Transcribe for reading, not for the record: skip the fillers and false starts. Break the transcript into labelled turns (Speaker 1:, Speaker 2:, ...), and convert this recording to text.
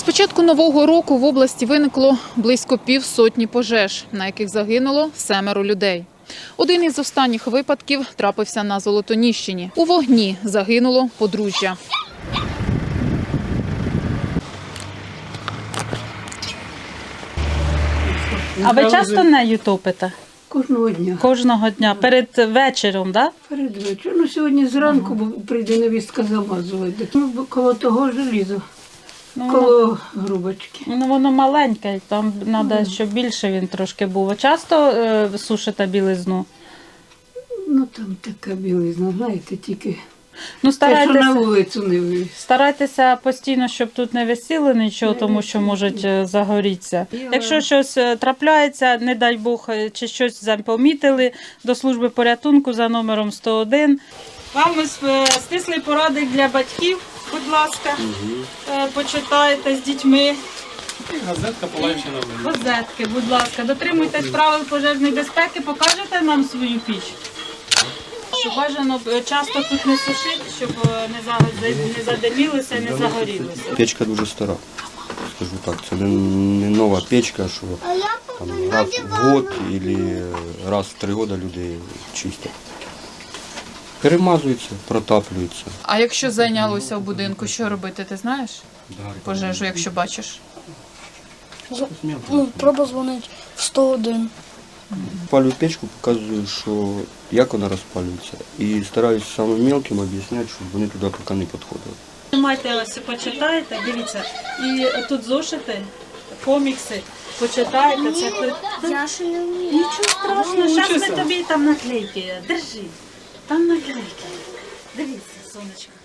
Speaker 1: З початку нового року в області виникло близько півсотні пожеж, на яких загинуло 7 людей. Один із останніх випадків трапився на Золотоніщині. У вогні загинуло подружжя.
Speaker 2: А ви часто нею топите?
Speaker 3: Кожного дня.
Speaker 2: Кожного дня? Перед вечором, так?
Speaker 3: Перед вечором. Ну, сьогодні зранку бо прийде невістка замазувати. Ну, коло того желіза, коло грубочки.
Speaker 2: Ну, воно маленьке, там треба, щоб більше він трошки був. Часто сушите білизну?
Speaker 3: Ну, там така білизна, знаєте, тільки
Speaker 2: Ну,
Speaker 3: те, що на
Speaker 2: старайтеся,
Speaker 3: вулицю не вивіз.
Speaker 2: старайтеся постійно, щоб тут не висіло нічого, тому що можуть загорітися. Якщо щось трапляється, не дай Бог, чи щось запомітили, до служби порятунку за номером 101. Вам стислий порадник для батьків, будь ласка, почитайте з дітьми.
Speaker 4: Газетка полегшена.
Speaker 2: Газетки, будь ласка, дотримуйтесь правил пожежної безпеки, покажете нам свою піч. Щоб бажано часто тут не сушити, щоб не задимілося, не загорілося.
Speaker 5: Печка дуже стара, скажу так. Це не нова печка, що там, раз в год або раз в 3 роки люди чистять. Перемазується, протаплюється.
Speaker 1: А якщо зайнялося в будинку, що робити, ти знаєш? Пожежу, якщо бачиш?
Speaker 6: Треба дзвонити в 101.
Speaker 5: Палю печку, показую, що як вона розпалюється. І стараюся самим мелким об'ясняти, щоб вони туди поки не підходили.
Speaker 2: Майте ось, почитайте, дивіться, і тут зошити, комікси, почитайте. Це
Speaker 6: Я ще не вмію.
Speaker 2: нічого страшного, зараз ми тобі там наклейки, держи, там наклейки. Дивіться, сонечко.